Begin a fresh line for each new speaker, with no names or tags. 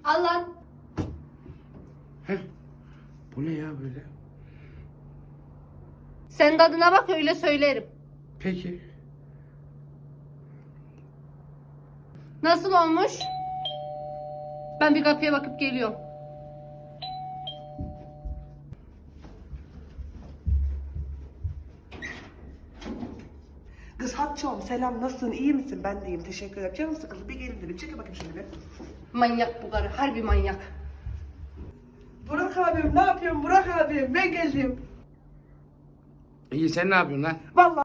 Al lan.
Heh. Bu ne ya böyle?
Sen tadına bak öyle söylerim.
Peki.
Nasıl olmuş? Ben bir kapıya bakıp geliyorum.
Kız Hatçom selam, nasılsın, iyi misin? Ben de iyiyim, teşekkür ederim. Canım sıkıldı, bir gelin dedim. Çekil bakayım şöyle bir.
Manyak bu karı. Harbi manyak.
Burak abim, ne yapıyorsun Burak abim? Ben geldim.
İyi sen ne yapıyorsun lan?
Vallahi